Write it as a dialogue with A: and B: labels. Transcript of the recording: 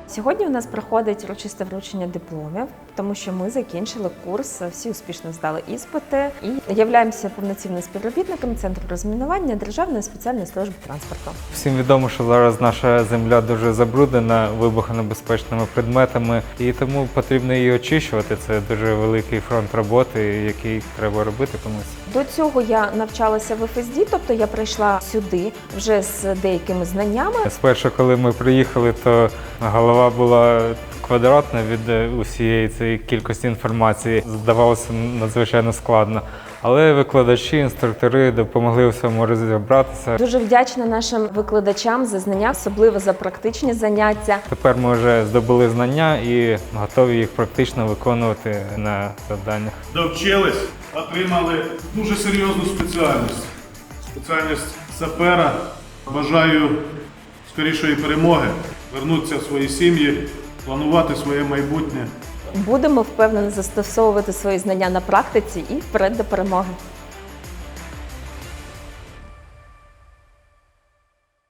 A: Сьогодні у нас проходить урочисте вручення дипломів, тому що ми закінчили курс, всі успішно здали іспити і являємося повноцінним співробітником Центру розмінування Державної спеціальної служби транспорту.
B: Всім відомо, що зараз наша земля дуже забруднена вибухонебезпечними предметами, і тому потрібно її очищувати. Це дуже великий фронт роботи, який треба робити комусь.
A: До цього я навчалася в ФСД, тобто я прийшла сюди вже з деякими знаннями.
B: Спершу, коли ми приїхали, то голова була квадратна від усієї цієї кількості інформації. Здавалося надзвичайно складно. Але викладачі, інструктори допомогли у всьому розібратися.
A: Дуже вдячна нашим викладачам за знання, особливо за практичні заняття.
B: Тепер ми вже здобули знання і готові їх практично виконувати на завданнях.
C: Довчились, отримали дуже серйозну спеціальність. Спеціальність сапера. Бажаю скорішої перемоги, вернутися в свої сім'ї, планувати своє майбутнє.
A: Будемо впевнено застосовувати свої знання на практиці і вперед до перемоги.